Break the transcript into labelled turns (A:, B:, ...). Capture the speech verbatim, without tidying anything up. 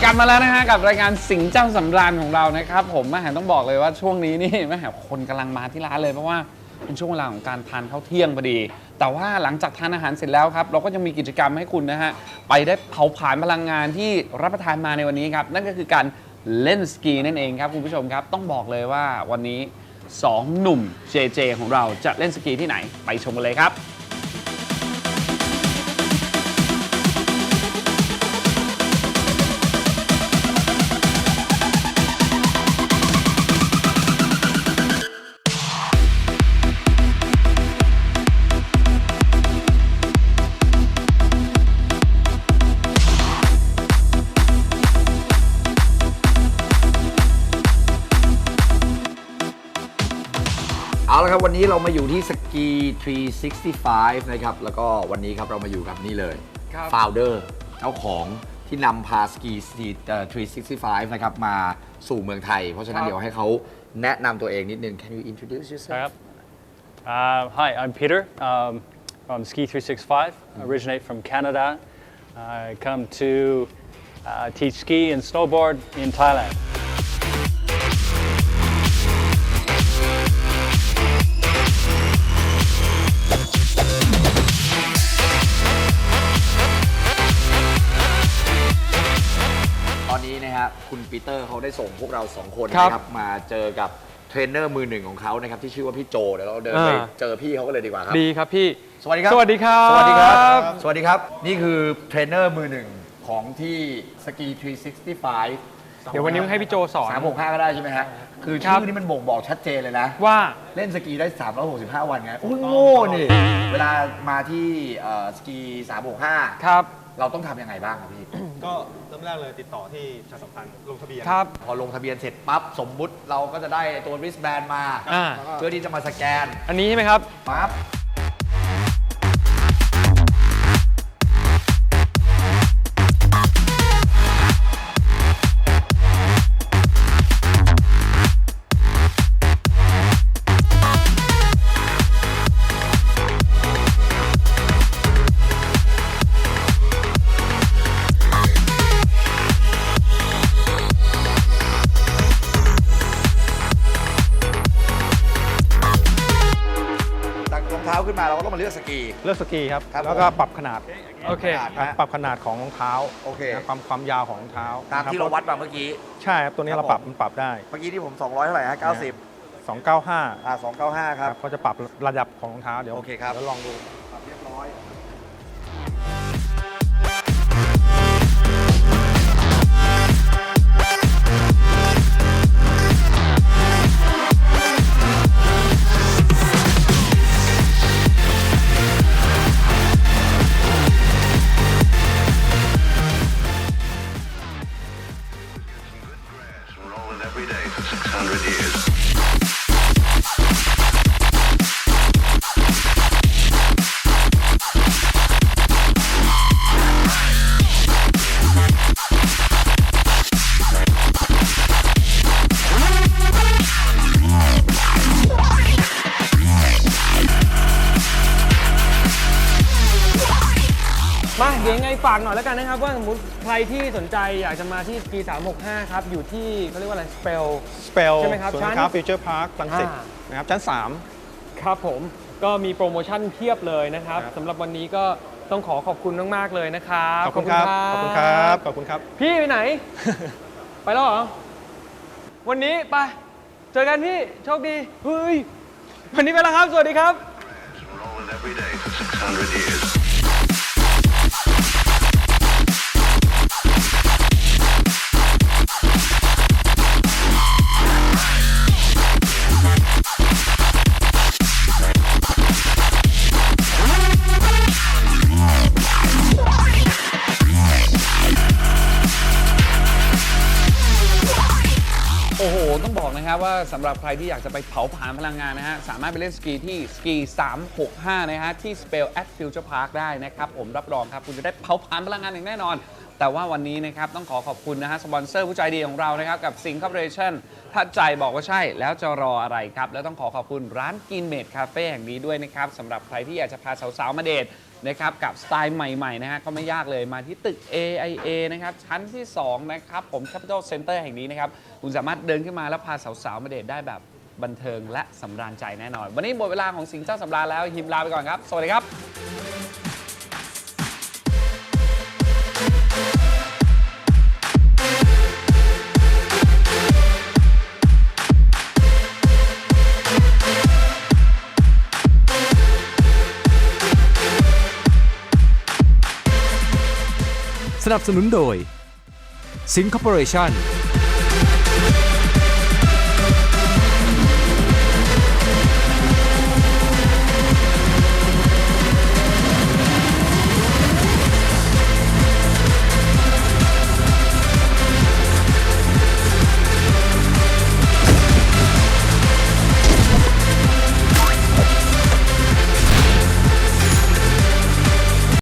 A: ลับมาแล้วนะฮะกับรายการสิงห์เจ้าสำราญของเรานะครับผมแม่แหมต้องบอกเลยว่าช่วงนี้นี่แม่แหมคนกำลังมาที่ร้านเลยเพราะว่าเป็นช่วงเวลาของการทานข้าวเที่ยงพอดีแต่ว่าหลังจากทานอาหารเสร็จแล้วครับเราก็ยังมีกิจกรรมให้คุณนะฮะไปได้เผาผลาญพลังงานที่รับประทานมาในวันนี้ครับนั่นก็คือการเล่นสกีนั่นเองครับคุณผู้ชมครับต้องบอกเลยว่าวันนี้สองหนุ่ม เจ เจ ของเราจะเล่นสกีที่ไหนไปชมกันเลยครับ
B: เอาละครับวันนี้เรามาอยู่ที่สกีสามร้อยหกสิบห้านะครับแล้วก็วันนี้ครับเรามาอยู่กับนี่เลย founder เจ้าของที่นำพาสกีสามร้อยหกสิบห้านะครับมาสู่เมืองไทยเพราะฉะนั้นเดี๋ยวให้เขาแนะนำตัวเองนิดนึง Can you introduce yourself?
C: Uh, hi, I'm Peter um, from Ski three sixty-five. I originate from Canada. I come to uh, teach ski and snowboard in Thailand.
B: ตอนนี้นะครับคุณปีเตอร์เขาได้ส่งพวกเราสองคนนะครับมาเจอกับเทรนเนอร์มือหนึ่งของเขานะครับที่ชื่อว่าพี่โจเดี๋ยวเราเดินไปเจอพี่เขาก็เลยดีกว่าครับ
A: ดีครับพี่
B: สวัสดีครับ
A: สวัสดีครับ
B: สวัสดีครับสวัสดีครับนี่คือเทรนเนอร์มือหนึ่งของที่สกีสามร้อยหกสิบห้า
A: เดี๋ยววันนี้ให้พี่โจสอน
B: สามร้อยหกสิบห้าก็ได้ใช่ไหมฮะคือชื่อนี้มันบ่งบอกชัดเจนเลยนะ
A: ว่า
B: เล่นสกีได้สามร้อยหกสิบห้าวันไงโอ้ยโง่นี่เวลามาที่สกีสามร้อยหกสิบห้า
A: ครับ
B: เราต้องทำยังไงบ้างครับพี่
D: ก็เริ่มแรกเลยติดต่อที่ประชาสัมพันธ์ลงทะเบียน
A: ครับ
B: พอลงทะเบียนเสร็จปั๊บสมมุติเราก็จะได้ตัว wristband มา
A: อ่า
B: เพื่อที่จะมาสแกน
A: อันนี้ใช่ไหมครับ
B: ปั๊บรองเท้าขึ้นมาเราก็ต้องมาเลือกสกี
D: เลือกสกีครับ
B: ครับ
D: แล้วก็ปรับขนาด
A: โอเค
D: ครับปรับขนาดของรองเท้า
B: โอเค
D: นะความความยาวของรองเท้า
B: ตามที่เราวัดมาเมื่อกี้
D: ใช่ครับตัวนี้
B: ครับ
D: เราปรับ
B: ผม
D: มันปรับได้
B: เมื่อกี้ที่ผมสองร้อยเท่าไหร่ฮะเก้าสิบ
D: สองเก้าห้า
B: อ่าสองเก้าห้าครับ
D: ก็จะปรับระดับของรองเท้าเดี๋ยว
B: โอเคครับ
D: เดี๋ยวลองดู
B: ปรับเรียบร้อย
A: มาเดี๋ยวยังไงฝากหน่อยแล้วกันนะครับว่าสมมติใครที่สนใจอยากจะมาที่สกีสามหกห้าครับอยู่ที่เขาเรียกว่าอะไรสเปล
D: สเปล
A: ใช่ไหมครับ
D: ศูนย์
A: ชั้
D: กาน รค้าฟิวเจอร์พาร์คลังสิต
A: อ่า
D: นะครับชั้นสาม
A: ครับผมก็มีโปรโมชั่นเพียบเลยนะครับ
D: ครับ
A: สำหรับวันนี้ก็ต้องขอขอบคุณมากๆเลยนะครับ
D: ขอบคุณครับขอบคุณครับขอบคุณครับ
A: พี่ไปไหน ไปแล้วเหรอวันนี้ไปเจอกันพี่โชคดีเฮ้ยวันนี้ไปแล้วครับสวัสดีครับ
E: Rolling every day for six hundred years.
A: โอ้โหต้องบอกนะครับว่าสำหรับใครที่อยากจะไปเผาผลาญพลังงานนะฮะสามารถไปเล่นสกีที่สกีสามหกห้านะฮะที่ Spell at Future Park ได้นะครับผมรับรองครับคุณจะได้เผาผลาญพลังงานอย่างแน่นอน แต่ว่าวันนี้นะครับต้องขอขอบคุณนะฮะสปอนเซอร์ผู้ใจดีของเรานะครับกับสิงห์คอร์ปอเรชั่นถ้าใจบอกว่าใช่แล้วจะรออะไรครับแล้วต้องขอขอบคุณร้านกินเมดคาเฟ่แห่งนี้ด้วยนะครับสำหรับใครที่อยากจะพาสาวๆมาเดทนะครับกับสไตล์ใหม่ๆนะฮะก็ไม่ยากเลยมาที่ตึก เอ ไอ เอ นะครับชั้นที่สองนะครับผม Capital Center แห่งนี้นะครับคุณสามารถเดินขึ้นมาแล้วพาสาวๆมาเดทได้แบบบันเทิงและสำราญใจแน่นอนวันนี้หมดเวลาของสิงเจ้าสำราญแล้วฮิมลาไปก่อนครับสวัสดีครับ
F: สนับสนุนโดยสินคอร์ปอเรชั่น